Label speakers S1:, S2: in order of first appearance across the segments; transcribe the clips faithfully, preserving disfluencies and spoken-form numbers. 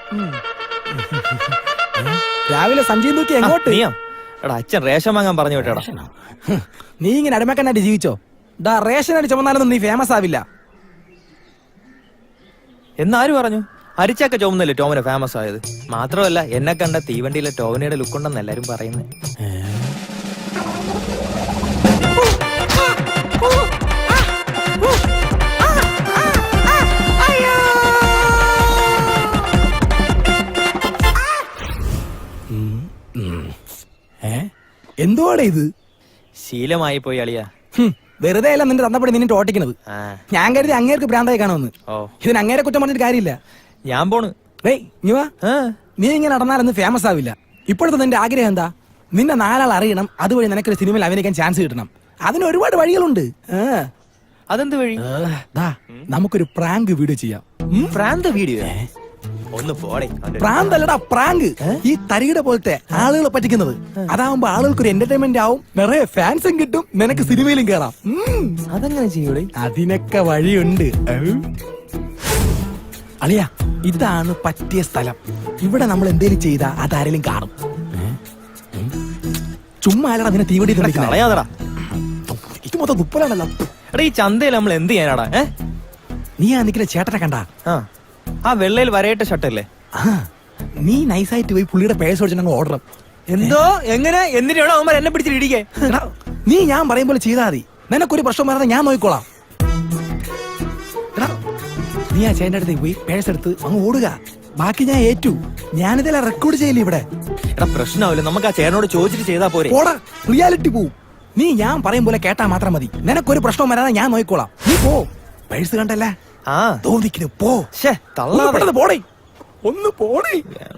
S1: രാവിലെ സഞ്ജയ് നോക്കി എങ്ങോട്ട്?
S2: നീയാ എടാ അച്ഛൻ റേഷൻ വാങ്ങാൻ പറഞ്ഞു വിട്ടേടാ.
S1: നീ ഇങ്ങനെ അടിമക്കനായിട്ട് ജീവിച്ചോ? ഡാ റേഷൻ അടി ചുമന്നാലൊന്നും നീ ഫേമസ് ആവില്ല.
S2: എന്നാര് പറഞ്ഞു? അരിച്ചൊക്കെ ചുമന്നല്ലേ ടോമിനെ ഫേമസ് ആയത്. മാത്രമല്ല എന്നെ കണ്ട തീവണ്ടിയിലെ ടോമിനിയുടെ ലുക്ക് ഉണ്ടെന്ന് എല്ലാരും പറയുന്നത്.
S1: എന്തുവാടെ ഇത്?
S2: ശീലമായി പോയി അളിയാ.
S1: വെറുതെ അല്ല നിന്റെ തന്നപ്പടി നിന്നിട്ട് ഓട്ടിക്കണത്. ഞാൻ കരുതി അങ്ങേർക്ക് ഭ്രാന്തായി കാണുമെന്ന്. ഇതിന് അങ്ങേരെ കുറ്റം പറഞ്ഞിട്ട് കാര്യമില്ല.
S2: ഞാൻ പോണ്.
S1: നീ ഇങ്ങനെ നടന്നാലൊന്നും ഫേമസ് ആവില്ല. ഇപ്പോഴത്തെ നിന്റെ ആഗ്രഹം എന്താ? നിന്നെ നാലാൾ അറിയണം, അതുവഴി നിനക്കൊരു സിനിമയിൽ അഭിനയിക്കാൻ ചാൻസ് കിട്ടണം. അതിന് ഒരുപാട് വഴികളുണ്ട്.
S2: അതെന്ത് വഴി?
S1: നമുക്കൊരു പ്രാങ്ക് വീഡിയോ ചെയ്യാം.
S2: പ്രാന്ത് വീഡിയോ? ഒന്ന് പോടെ.
S1: പ്രാന്തല്ലടാ പ്രാങ്ക്. ഈ തരികിട പോലത്തെ ആളുകളെ പറ്റിക്കുന്നത്. അതാവുമ്പോ ആളുകൾക്ക് ഒരു എന്റർടൈൻമെന്റ് ആവും, നിറയെ ഫാൻസും കിട്ടും, നിനക്ക് സിനിമയിലും കേറാം.
S2: അതെങ്ങനെ ചെയ്യൂടെ?
S1: അതിനൊക്കെ വഴിയുണ്ട് അളിയ. ഇതാണ് പറ്റിയ സ്ഥലം. ഇവിടെ നമ്മൾ എന്തേലും ചെയ്താ അതാരെങ്കിലും കാണും. ചുമ്മാ അല്ലടാ നിന്നെ തീവണ്ടി
S2: കളയാതടാ.
S1: ഇത് മൊത്തം തുപ്പലാണല്ലോ.
S2: എടാ ഈ ചന്തയിൽ നമ്മൾ എന്ത് ചെയ്യാനാടാ?
S1: നീ ആ നിൽക്കുന്ന ചേട്ടനെ കണ്ടാ?
S2: ആ വെള്ളയിൽ വരയിട്ട ഷർട്ടല്ലേ?
S1: നീ നൈസായിട്ട് പോയി പുള്ളിയുടെ പേഴ്സ് ഓടിച്ചിട്ട് ഓർഡർ.
S2: എന്തോ എങ്ങനെ എന്തിനാണോ അവന്മാർ എന്നെ പിടിച്ചിടിക്കേ?
S1: നീ ഞാൻ പറയും പോലെ ചെയ്താൽ മതി. നിനക്കൊരു പ്രശ്നം വരാതെ ഞാൻ നോക്കിക്കോളാം. നീ ആ ചേട്ടൻ്റെ അടുത്തേക്ക് പോയി പേഴ്സ് എടുത്ത് അങ്ങ് ഓടുക. ബാക്കി ഞാൻ ഏറ്റു. ഞാനിതെല്ലാം റെക്കോർഡ് ചെയ്യില്ല ഇവിടെ.
S2: എടാ പ്രശ്നമാവില്ല, നമുക്ക് ആ ചേട്ടനോട് ചോദിച്ചിട്ട് ചെയ്താ പോരെ.
S1: ഓടാ, റിയാലിറ്റി പോവും. നീ ഞാൻ പറയും പോലെ കേട്ടാ മാത്രം മതി. നിനക്കൊരു പ്രശ്നം വരാതെ ഞാൻ നോക്കിക്കോളാം. നീ പോ. പേഴ്സ് കണ്ടല്ലേ?
S2: ആ
S1: തോന്നിക്കുന്നു. പോ.
S2: തള്ളാതെ
S1: പോടേ. ഒന്ന് പോടേ.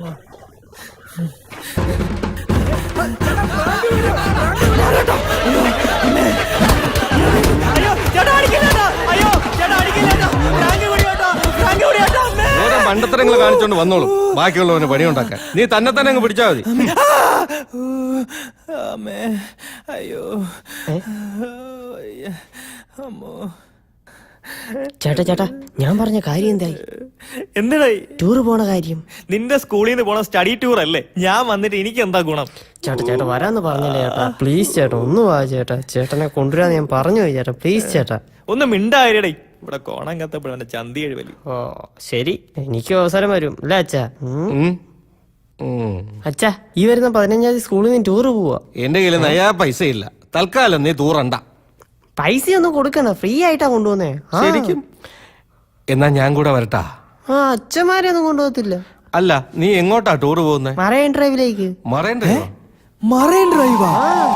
S3: മണ്ടത്തരങ്ങൾ കാണിച്ചോണ്ട് വന്നോളൂ. ബാക്കിയുള്ളവന് പണിയുണ്ടാക്കാൻ നീ തന്നെ തന്നെ അങ്ങ് പിടിച്ചാ മതി.
S2: അയ്യോ അമ്മോ.
S4: ചേട്ടാ ചേട്ടാ ഞാൻ പറഞ്ഞ കാര്യം എന്തായി?
S2: എന്തിനായി
S4: ടൂറ് പോണ കാര്യം?
S2: നിന്റെ സ്കൂളിൽ നിന്ന് പോണ സ്റ്റഡി ടൂർ അല്ലേ? ഞാൻ വന്നിട്ട് എനിക്ക് എന്താ ഗുണം?
S4: ചേട്ടാ ചേട്ടാ വരാന്ന് പറഞ്ഞില്ലേ ചേട്ടാ? പ്ലീസ് ചേട്ടാ ഒന്ന് വാ ചേട്ടാ. ചേട്ടനെ കൊണ്ടുവരാന്ന് ഞാൻ പറഞ്ഞു പോയി ചേട്ടാ. പ്ലീസ് ചേട്ടാ
S2: ഒന്ന് മിണ്ടായിരടേ. ഇവിടെ കോണം കത്തപ്പോഴാണ് ചന്തി എഴുവലി.
S4: ഓ ശരി, എനിക്ക് അവസരം വരും അല്ലേ അച്ഛാ? അച്ഛാ ഈ വരുന്ന പതിനഞ്ചാം തീയതി സ്കൂളിൽ നിന്ന് ടൂറ് പോവാ.
S3: എന്റെ കയ്യിൽ നയാ പൈസ ഇല്ല. തൽക്കാലം നീ തൂറണ്ട.
S4: പൈസ ഒന്നും കൊടുക്കണ്ട, ഫ്രീ ആയിട്ടാ കൊണ്ടുപോന്നേ.
S3: ശരിക്കും? എന്നാ ഞാൻ കൂടെ വരട്ടാ?
S4: ആ അച്ഛന്മാരെ ഒന്നും കൊണ്ടുപോകത്തില്ല.
S3: അല്ല നീ എങ്ങോട്ടാ ടൂറ് പോകുന്നേ?
S4: മറൈൻ ഡ്രൈവിലേക്ക്.
S3: Marine drive?
S1: മറൈൻ ഡ്രൈവാ?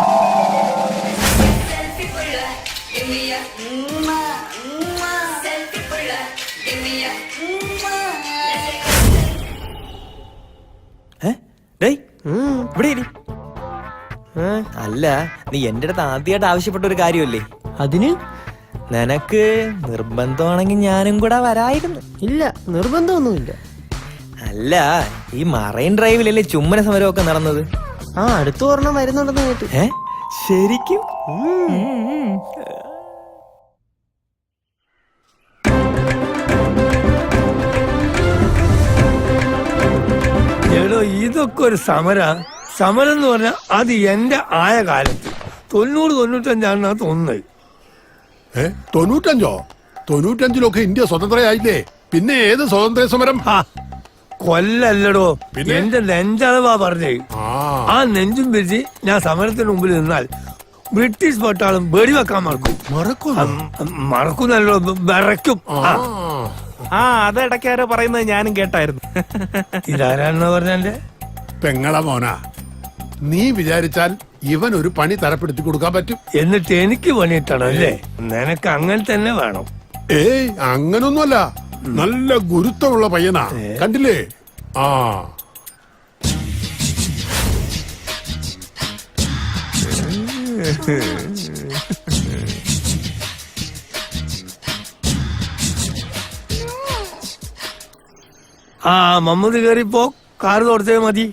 S2: അല്ല നീ എന്റെ അടുത്ത് ആദ്യമായിട്ട് ആവശ്യപ്പെട്ട ഒരു കാര്യമല്ലേ?
S4: അതിന്
S2: നിനക്ക് നിർബന്ധമാണെങ്കിൽ ഞാനും കൂടെ വരായിരുന്നു.
S4: ഇല്ല നിർബന്ധമൊന്നുമില്ല.
S2: അല്ല ഈ മറൈൻ ഡ്രൈവിലല്ലേ ചുമ്മന സമരമൊക്കെ നടന്നത്?
S4: ആ അടുത്ത ഒരെണ്ണം വരുന്നുണ്ടെന്ന് കേട്ടു.
S2: ഏ ശരിക്കും?
S5: എടോ ഇതൊക്കെ ഒരു സമര സമരം എന്ന് പറഞ്ഞാൽ അത് എന്റെ ആയ കാലത്ത് തൊണ്ണൂറ് തൊണ്ണൂറ്റഞ്ചാണ് തോന്നുന്നത്.
S6: ഏ തൊണ്ണൂറ്റഞ്ചോ? തൊണ്ണൂറ്റഞ്ചിലൊക്കെ ഇന്ത്യ സ്വതന്ത്രയായില്ലേ? പിന്നെ ഏത് സ്വാതന്ത്ര്യ സമരം?
S5: കൊല്ലല്ലടോ, എന്റെ നെഞ്ചളവാ പറഞ്ഞേ. ആ നെഞ്ചും പിരിച്ച് ഞാൻ സമരത്തിന് മുമ്പിൽ നിന്നാൽ ബ്രിട്ടീഷ് പട്ടാളം വെടിവെക്കാൻ മറക്കും. മറക്കുന്നല്ലോ, വിറയ്ക്കും.
S2: ആ അത് ഇടയ്ക്കാരോ പറയുന്നത് ഞാനും കേട്ടായിരുന്നു.
S5: ഇതാരാണെന്ന് പറഞ്ഞെ?
S6: പെങ്ങള മോനാ. നീ വിചാരിച്ചാൽ ഇവൻ ഒരു പണി തരപ്പെടുത്തി കൊടുക്കാൻ പറ്റും.
S5: എന്നിട്ട് എനിക്ക് പണിയിട്ടണം അല്ലേ? നിനക്ക് അങ്ങനെ തന്നെ വേണം.
S6: ഏയ് അങ്ങനൊന്നുമല്ല, നല്ല ഗുരുത്വമുള്ള പയ്യനാ. കണ്ടില്ലേ? ആ
S5: ആ മമ്മൂദ് കേറിപ്പോ കാറ് തുടച്ചേ മതി.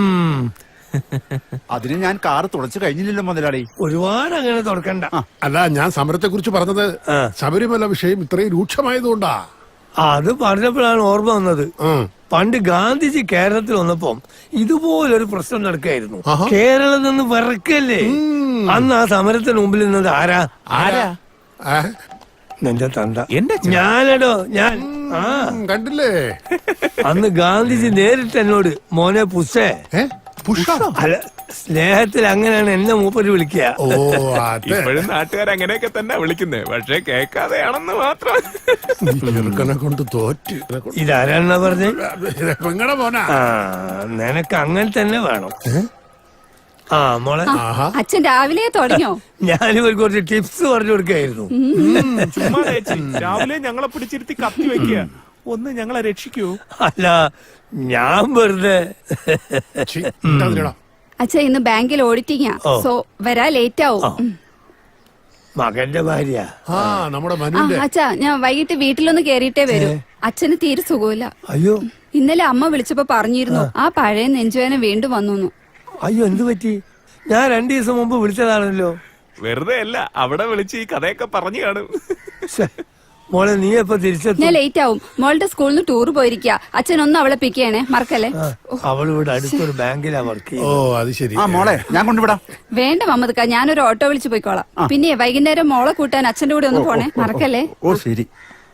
S7: അതിന് ഞാൻ കാറ് തുടച്ചു കഴിഞ്ഞില്ലല്ലോ മുതലാളി.
S5: ഒരുപാട് അങ്ങനെ തുറക്കണ്ട.
S6: അല്ല, ഞാൻ സമരത്തെ കുറിച്ച് പറഞ്ഞത് ശബരിമല വിഷയം ഇത്രയും രൂക്ഷമായതുകൊണ്ടാ.
S5: അത് പറഞ്ഞപ്പോഴാണ് ഓർമ്മ വന്നത്.
S6: ഉം.
S5: പണ്ട് ഗാന്ധിജി കേരളത്തിൽ വന്നപ്പം ഇതുപോലൊരു പ്രശ്നം നടക്കായിരുന്നു.
S6: ആഹാ.
S5: കേരളം നിന്ന് വിറക്കല്ലേ. അന്ന് ആ സമരത്തിന് മുമ്പിൽ നിന്നത് ആരാ?
S2: ആരാ?
S6: ആ,
S5: നിന്റെ തന്ത.
S2: എന്റെ
S5: ഞാനടോ ഞാൻ. ആ
S6: ഉം, കണ്ടില്ലേ?
S5: അന്ന് ഗാന്ധിജി നേരിട്ട് എന്നോട് മോനെ പുഷേ,
S6: ഏ പുഷ.
S5: അല്ല സ്നേഹത്തിൽ അങ്ങനെയാണ് എന്നെ മൂപ്പര് വിളിക്കുക.
S6: ഓ അതെ.
S2: ഇപ്പോഴും നാട്ടുകാർ അങ്ങനെയൊക്കെ തന്നെ വിളിക്കുന്നത്, പക്ഷെ കേൾക്കാതെയാണെന്ന് മാത്രം.
S6: ചെറുക്കനെ കൊണ്ട് തോറ്റ്.
S5: ഇതാരാണെന്നാ പറഞ്ഞേ?
S6: പെങ്ങടെ മോനാ.
S5: ആ നിനക്ക് അങ്ങനെ തന്നെ വേണം. ആ മോളെ,
S6: ആഹാ.
S8: അച്ഛൻ രാവിലെ തുടങ്ങിയോ?
S5: ഞാനിവർക്ക് കുറച്ച് ടിപ്സ് പറഞ്ഞു കൊടുക്കായിരുന്നു.
S2: രാവിലെ ഞങ്ങളെ പിടിച്ചിരുത്തി കത്തി വെക്കുക, ഒന്ന് ഞങ്ങളെ രക്ഷിക്കൂ.
S5: അല്ല ഞാൻ വെറുതെ
S6: ഛീ, ഇണ്ടാതിരിടാ.
S8: അച്ഛ ഇന്ന് ബാങ്കിൽ ഓഡിറ്റിംഗാ,
S5: ഓ.
S8: സോ വരാ ലേറ്റ് ആവും. ഉം.
S5: മകന്റെ ഭാര്യ.
S6: ആ നമ്മുടെ
S8: ആ
S6: മനുവിന്റെ.
S8: അച്ഛാ ഞാൻ വൈകിട്ട് വീട്ടിലൊന്ന് കേറിയിട്ടേ വരൂ. അച്ഛന് തീരെ സുഖമില്ല.
S5: അയ്യോ
S8: ഇന്നലെ അമ്മ വിളിച്ചപ്പോ പറഞ്ഞിരുന്നു ആ പഴയ നെഞ്ചുവേന വീണ്ടും വന്നു.
S5: അയ്യോ എന്ത് പറ്റി? ഞാൻ രണ്ടു ദിവസം മുമ്പ് വിളിച്ചതാണല്ലോ.
S2: വെറുതെ അല്ല, അവിടെ വിളിച്ച് ഈ കഥയൊക്കെ പറഞ്ഞു കാണും.
S5: ശ്ശെ, മോളെ നീ എപ്പോ തിരിച്ചെത്തും?
S8: ഞാൻ ലേറ്റ് ആവും. മോളുടെ സ്കൂളിൽ നിന്ന് ടൂർ പോയിരിക്കാ. അച്ഛൻ ഒന്ന് അവളെ പിക്ക് ചെയ്യണേ, മറക്കല്ലേ.
S5: അവൾ ഇവിടെ അടുത്തൊരു ബാങ്കിലാ വർക്ക്
S6: ഓ
S5: ചെയ്യുന്നത്.
S6: അത് ശരി.
S7: ആ മോളെ ഞാൻ കൊണ്ടുവിടാം.
S8: വേണ്ട മമ്മദ്ക്ക, ഞാനൊരു ഓട്ടോ വിളിച്ച് പോയിക്കോളാം. പിന്നെ വൈകുന്നേരം മോളെ കൂട്ടാൻ അച്ഛന്റെ കൂടെ ഒന്ന് പോണേ, മറക്കല്ലേ.
S7: ഓ ശരി.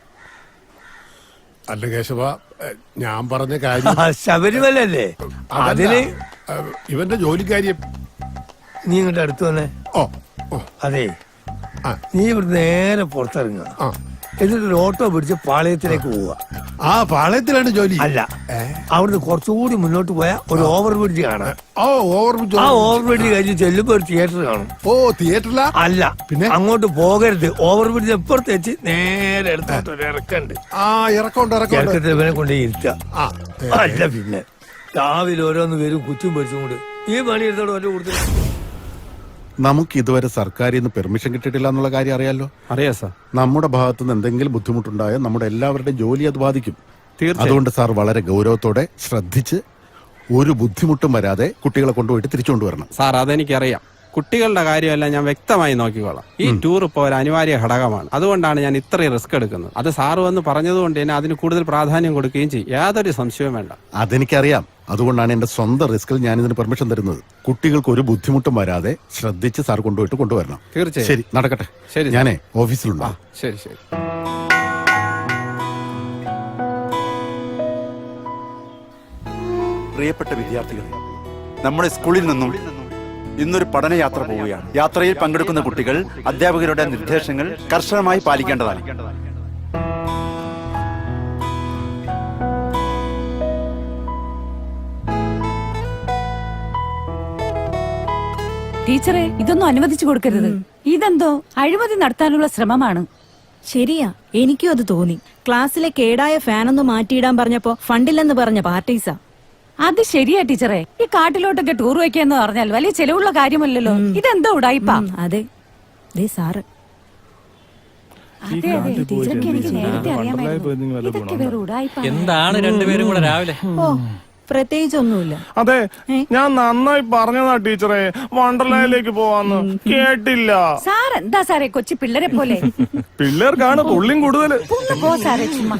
S6: അല്ല കേശവ, ഏ, ഞാൻ പറഞ്ഞ കാര്യം
S5: ആ, ശബരിമല അല്ലേ
S6: അതല്ല.
S5: അതിന്
S6: ഏ, ഇവന്റെ ജോലിക്കാര്യം.
S5: നീ ഇങ്ങോട്ട് അടുത്ത് വന്നേ.
S6: ഓ ഓ
S5: അതെ
S6: ആ.
S5: നീ ഇവിടെ നേരെ പുറത്തിറങ്ങുക,
S6: ആ.
S5: എന്നിട്ടൊരു ഓട്ടോ പിടിച്ച് പാളയത്തിലേക്ക് പോവുക.
S6: ആ പാളയത്തിലാണ് ജോലി.
S5: അല്ല അവിടുന്ന് കുറച്ചുകൂടി മുന്നോട്ട് പോയാൽ ഒരു ഓവർ ബ്രിഡ്ജ് കാണാം.
S6: ഓ ഓവർ
S5: ആ ഓവർ ബ്രിഡ്ജ് കഴിഞ്ഞ് ചെല്ലുമ്പോ ഒരു തിയേറ്റർ കാണും.
S6: ഓ തിയേറ്ററിലാ.
S5: അല്ല
S6: പിന്നെ?
S5: അങ്ങോട്ട് പോകരുത്. ഓവർ ബ്രിഡ്ജ് എപ്പുറത്ത് വെച്ച് നേരെ എടുത്തോട്ട് ഒരു ഇറക്കുണ്ട്.
S6: ആ ഇറക്കമുണ്ട് ഇറക്കമുണ്ട്.
S5: ഇറക്കത്തിൽ ഇവനെ കൊണ്ട് ഇരുത്തുക.
S6: ആ
S5: അല്ല പിന്നെ രാവിലെ ഓരോന്ന് വരും കുച്ചും പൊരിച്ചും കൊണ്ട് ഈ പണി എടുത്തോട് ഒറ്റ കൊടുത്തില്ല.
S9: നമുക്ക് ഇതുവരെ സർക്കാരിൽ നിന്ന് പെർമിഷൻ കിട്ടിയിട്ടില്ല എന്നുള്ള കാര്യം അറിയാലോ.
S3: അറിയാ സാർ.
S9: നമ്മുടെ ഭാഗത്തു നിന്ന് എന്തെങ്കിലും ബുദ്ധിമുട്ടുണ്ടായാൽ നമ്മുടെ എല്ലാവരുടെയും ജോലി അത് ബാധിക്കും.
S3: തീർച്ചയായും.
S9: അതുകൊണ്ട് സാർ വളരെ ഗൗരവത്തോടെ ശ്രദ്ധിച്ച് ഒരു ബുദ്ധിമുട്ടും വരാതെ കുട്ടികളെ കൊണ്ടുപോയിട്ട് തിരിച്ചു കൊണ്ടുവരണം.
S10: സാർ അതെനിക്കറിയാം. കുട്ടികളുടെ കാര്യമെല്ലാം ഞാൻ വ്യക്തമായി നോക്കിക്കോളാം. ഈ ടൂർ ഇപ്പോൾ ഒരു അനിവാര്യ ഘടകമാണ്. അതുകൊണ്ടാണ് ഞാൻ ഇത്രയും റിസ്ക് എടുക്കുന്നത്. അത് സാറ് വന്ന് പറഞ്ഞതുകൊണ്ട് തന്നെ അതിന് കൂടുതൽ പ്രാധാന്യം കൊടുക്കുകയും ചെയ്യും. യാതൊരു സംശയവും വേണ്ട.
S9: അതെനിക്കറിയാം. അതുകൊണ്ടാണ് എന്റെ സ്വന്തം റിസ്കിൽ ഞാൻ ഇതിന് പെർമിഷൻ തരുന്നത്. കുട്ടികൾക്ക് ഒരു ബുദ്ധിമുട്ടും വരാതെ ശ്രദ്ധിച്ച് സാർ കൊണ്ടുപോയിട്ട് കൊണ്ടുവരണം.
S10: തീർച്ചയായും.
S9: ശരി, നടക്കട്ടെ.
S10: ശരി.
S9: ഞാനേ ഓഫീസിലുണ്ടോ?
S10: ശരി ശരി.
S7: പ്രിയപ്പെട്ട വിദ്യാർത്ഥികളെ, നമ്മുടെ സ്കൂളിൽ നിന്നും ഇന്നൊരു പഠനയാത്ര പോവുകയാണ്. യാത്രയിൽ പങ്കെടുക്കുന്ന കുട്ടികൾ അധ്യാപകരുടെ നിർദ്ദേശങ്ങൾ കർശനമായി പാലിക്കേണ്ടതാണ്.
S11: ടീച്ചറെ, ഇതൊന്നും അനുവദിച്ചു കൊടുക്കരുത്. ഇതെന്തോ അഴിമതി നടത്താനുള്ള ശ്രമമാണ്.
S12: ശരിയാ, എനിക്കും അത് തോന്നി. ക്ലാസ്സിലെ കേടായ ഫാനൊന്ന് മാറ്റിയിടാൻ പറഞ്ഞപ്പോ ഫണ്ടില്ലെന്ന് പറഞ്ഞ പാർട്ടീസാ.
S11: അത് ശരിയാ ടീച്ചറെ. ഈ കാട്ടിലോട്ടൊക്കെ ടൂർ വയ്ക്കാന്ന് പറഞ്ഞാൽ വലിയ ചെലവുള്ള കാര്യമല്ലല്ലോ. ഇതെന്തോ ഉടായിപ്പാ.
S12: ഉം, അതെ ദേ സാറ്.
S11: അതെ അതെ, ടീച്ചർക്ക് എനിക്ക് നേരത്തെ അറിയാമായിരുന്നു. ഇതൊക്കെ വേറെ ഉടായിപ്പാ.
S2: എന്താണ് രണ്ടുപേരും കൂടെ രാവിലെ?
S12: ഓ പ്രത്യേകിച്ചൊന്നുമില്ല.
S3: അതെ, ഞാൻ നന്നായി പറഞ്ഞതാ ടീച്ചറെ വണ്ടർലാൻഡിലേക്ക് പോവാന്ന്. കേട്ടില്ല.
S11: സാർ എന്താ സാറേ കൊച്ചു പിള്ളേരെ പോലെ?
S3: പിള്ളേർക്കാണ് തുള്ളിയും കൂടുതല്.
S11: ഒന്ന് പോ സാറേ ചുമ്മാ.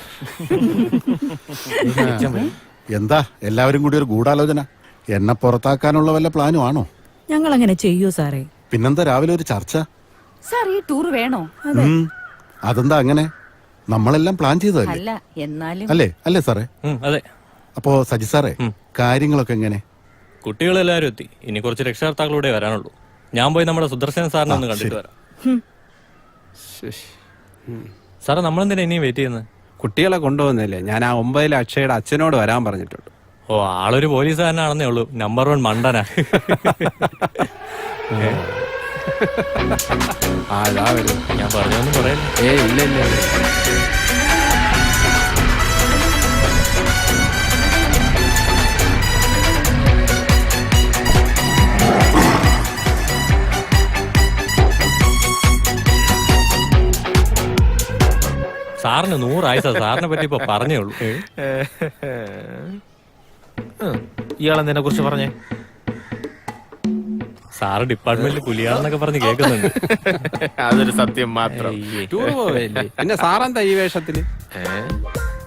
S9: എന്താ എല്ലാവരും കൂടി ഒരു ഗൂഢാലോചന? എന്നെ പുറത്താക്കാനുള്ള വല്ല പ്ലാനും ആണോ?
S12: ഞങ്ങൾ അങ്ങനെ ചെയ്യൂ സാറേ.
S9: പിന്നെന്താ രാവിലെ ഒരു ചർച്ച?
S11: സാർ ഈ ടൂർ വേണോ?
S9: ഉം. അതെന്താ അങ്ങനെ? നമ്മളെല്ലാം പ്ലാൻ ചെയ്തതല്ലേ?
S11: അല്ല എന്നാലും
S9: അല്ലേ അല്ലേ സാറേ?
S2: അതെ.
S9: അപ്പോ സജി സാറേ, കാര്യങ്ങളൊക്കെ എങ്ങനെ?
S2: കുട്ടികളെല്ലാവരും എത്തി. ഇനി കുറച്ച് രക്ഷകർത്താക്കളൂടെ വരാനുള്ളൂ. ഞാൻ പോയി നമ്മുടെ സുദർശന സാറിനെ ഒന്ന് കണ്ടിട്ട് വരാം. സാറേ, നമ്മളെന്തിനാ ഇനിയും വെയിറ്റ് ചെയ്യുന്നത്?
S10: കുട്ടികളെ കൊണ്ടുപോകുന്നില്ലേ? ഞാൻ ആ ഒമ്പതിലെ അക്ഷയുടെ അച്ഛനോട് വരാൻ പറഞ്ഞിട്ടുണ്ട്.
S2: ഓ, ആളൊരു പോലീസുകാരനാണെന്നേ ഉള്ളൂ. നമ്പർ വൺ മണ്ടനാ.
S10: ആ ഇതാ വരും.
S2: ഞാൻ പറഞ്ഞൊന്നും പറയല്ല.
S10: ഏ ഇല്ല ഇല്ല ഇല്ല.
S2: സാറിന് നൂറായി സാർ. സാറിനെ പറ്റി ഇപ്പൊ പറഞ്ഞേ ഉള്ളൂ. ഇയാളെന്തിനെ കുറിച്ച് പറഞ്ഞേ? സാറ് ഡിപ്പാർട്ട്മെന്റിൽ പുലിയാണെന്നൊക്കെ പറഞ്ഞ് കേൾക്കുന്നുണ്ട്.
S10: അതൊരു സത്യം മാത്രം. ടൂർ പോവല്ലേ? പിന്നെ സാറെന്താ ഈ വേഷത്തില്?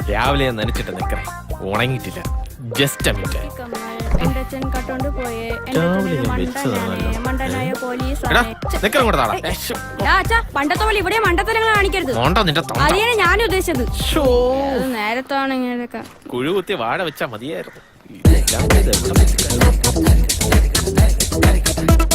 S2: രാവിലെ ഞാൻ നനച്ചിട്ട് നിക്കറേ ഉണങ്ങിയിട്ടില്ല. Just minute.
S8: എന്റെ അച്ഛൻ കട്ടോണ്ട് പോയേ
S2: രാവിലെ ഞാൻ വെച്ചതാണല്ലോ. എടാ നിക്കറും കൂടെ താടാ.
S8: പണ്ടത്തെ പോലെ ഇവിടെ മണ്ടത്തരങ്ങൾ കാണിക്കരുത്.
S2: മോണ്ട നിന്റെ തൊണ്ട.
S8: അതിനാണ് ഞാൻ ഉദ്ദേശിച്ചത്.
S2: ശോ.
S8: നേരത്താണ് ഇങ്ങനെയൊക്കെ.
S2: കുഴു കുത്തി വാഴ വെച്ചാ മതിയായിരുന്നു.